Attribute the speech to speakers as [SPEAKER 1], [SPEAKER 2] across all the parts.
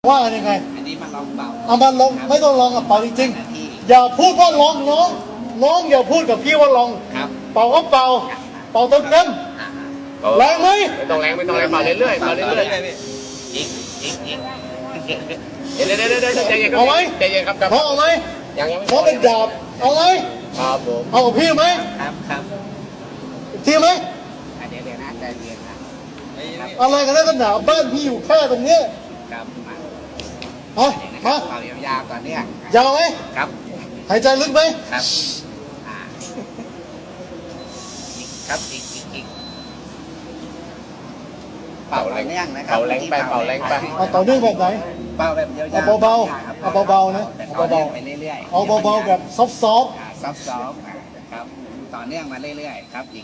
[SPEAKER 1] ว่ายังไง
[SPEAKER 2] อันนี้มาลองเบา
[SPEAKER 1] เอามาลองไม่ต้องลองกับเป่าจริงๆอย่าพูดว่าลองน้องอย่าพูดกับพี่ว่าลอง
[SPEAKER 2] ครับ
[SPEAKER 1] เป่าก็เป่าเต็มแรงไหม
[SPEAKER 3] ไม่ต้องแรงเป่าเรื่อยๆเป่าเรื่อยๆ
[SPEAKER 2] อีก
[SPEAKER 3] เดี๋ยวใจเย็นครับ
[SPEAKER 1] เอาไหม
[SPEAKER 3] ใจเย็นครับครับ
[SPEAKER 1] เขาเอาไหม
[SPEAKER 3] ยังไม่
[SPEAKER 1] เขาเป็นดาบเอาไหม
[SPEAKER 3] ครับผม
[SPEAKER 1] เอากับพี่ไหม
[SPEAKER 2] ครับ
[SPEAKER 1] อีกทีไหม
[SPEAKER 2] เดี๋ยวนะใจเย็นนะ
[SPEAKER 1] อะไรกันนักกันหนาบ้านพี่อยู่แค่ตรงเนี้ย
[SPEAKER 2] ครับมา
[SPEAKER 1] เอา
[SPEAKER 2] ครั
[SPEAKER 1] มา
[SPEAKER 2] บเป่ายาวๆก่อนเนี่ย
[SPEAKER 1] ยาวไหม
[SPEAKER 2] ครับ
[SPEAKER 1] หายใจลึกไหม
[SPEAKER 2] ครับครับอีกเป่าแรงนะครับ
[SPEAKER 3] เป่าแรงไปเป่าแรงไป
[SPEAKER 1] เอาต่อเนื่องแบบไหน
[SPEAKER 2] เป่าแบบยาวๆ
[SPEAKER 1] เอาเบาๆเอาเบาๆนะ
[SPEAKER 2] เอา
[SPEAKER 1] เอา
[SPEAKER 2] เบา
[SPEAKER 1] เบา
[SPEAKER 2] ๆไปเรื่อยๆ
[SPEAKER 1] เอาเบาๆแบบซอฟต์
[SPEAKER 2] ซอฟต์ๆครับต่อเนื่องมาเรื่อยๆครับอีก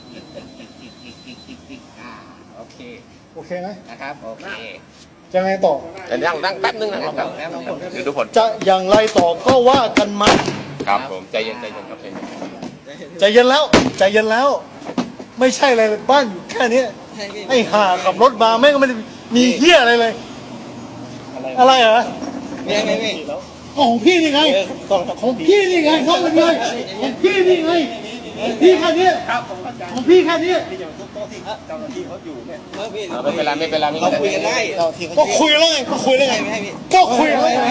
[SPEAKER 2] โอเค
[SPEAKER 1] ๆโอเคไหม
[SPEAKER 2] นะครับโอเค
[SPEAKER 1] จะไงต่อ
[SPEAKER 3] เดี๋ยวนั่งแป๊บนึงนะค
[SPEAKER 2] ครั
[SPEAKER 3] รั
[SPEAKER 2] บบ แล้วลองกด
[SPEAKER 3] ดูผล
[SPEAKER 1] จะอย่างไรต่อก็ว่ากันมา
[SPEAKER 3] ครับผมใจเย็นครับใจเย็น
[SPEAKER 1] ใจเย็นแล้ว ไม่ใช่อะไรเลยบ้านอยู่แค่เนี้ยไอ้ห่าขับรถมาแม่งก็ไม่ได้มีเหี้ยอะไรเลย อะไรเหรอ
[SPEAKER 2] ไม่
[SPEAKER 1] ของพี่นี่ไงของพี่นี่ไงน้องเป็นไงของพี่นี่ไงพี่แค่นี้ของพี่แค่นี้
[SPEAKER 3] ไม่เป็นไร
[SPEAKER 2] คุยกันได้
[SPEAKER 1] ก็คุยแล้วไงก็คุยแล้วไง